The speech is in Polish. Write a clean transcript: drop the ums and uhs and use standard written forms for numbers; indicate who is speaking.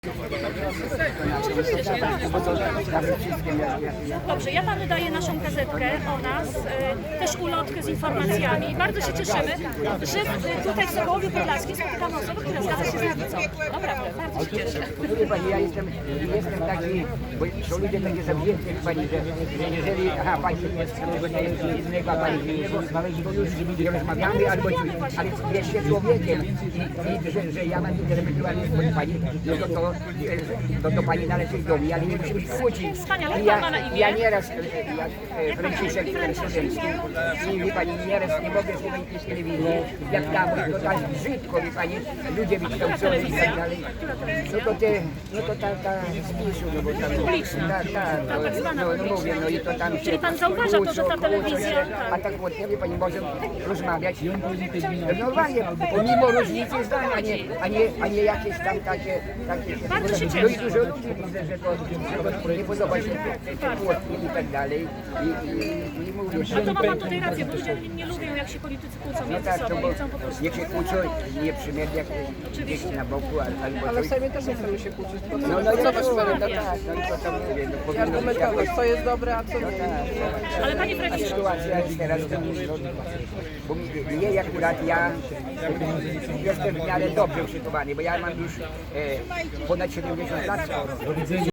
Speaker 1: Dobrze, ja panu daję naszą gazetkę o nas, też ulotkę z informacjami. Bardzo się cieszymy, że tutaj w Sokołowie Podlaskim spotykamy osobę, która zgadza się z lewicą. Naprawdę, bardzo się cieszę.
Speaker 2: Wie pani, ja jestem taki, bo są ludzie takie zawzięci, pani, że jeżeli, pani jest innego, a pani innego, to już nie rozmawiamy, albo coś, ale jest się człowiekiem i że ja mam intelektualizm od pani, no to pani należy do mnie, ale nie musimy się kłócić.
Speaker 1: Wspaniale, jak pan ma na imię?
Speaker 2: Ja nieraz, Franciszek Studencki, i wie pani, nieraz nie mogę słuchać telewizji, jak tam, to tak brzydko, wie pani, ludzie wykształceni i tak dalej. No to ta z PiS-u, no bo tam...
Speaker 1: Publiczna. Tak zwana
Speaker 2: no mówię, no i to tam się...
Speaker 1: Czyli pan zauważa to, że ta telewizja...
Speaker 2: A tak właśnie, wie pani, może rozmawiać normalnie, pomimo różnicy zdań, a nie jakieś tam takie...
Speaker 1: Bardzo się cieszę.
Speaker 2: No i dużo ludzi widzę, że to nie podoba się te płotki i tak dalej. I mówię,
Speaker 1: A to ma pan tutaj rację, bo ludzie nie lubią, jak się politycy kłócą
Speaker 2: no
Speaker 1: między
Speaker 2: tak, to
Speaker 1: sobą
Speaker 2: bo
Speaker 1: i chcą po prostu...
Speaker 2: niech się kłócą, nie przymiert jak gdzieś na boku albo
Speaker 3: Ale w
Speaker 2: coś.
Speaker 3: Sejmie też nie chcemy się kłócić.
Speaker 2: No i
Speaker 3: Co was
Speaker 2: no
Speaker 3: no
Speaker 2: tak, no i to tam mówię, no powinno być
Speaker 3: argumentować,
Speaker 2: jakoś...
Speaker 3: co jest dobre, a co nie.
Speaker 1: Ale panie
Speaker 2: A
Speaker 1: premierze,
Speaker 2: sytuacja jest teraz, bo mnie akurat ja jestem w miarę dobrze przygotowany, bo ja mam już ponad 70 lat.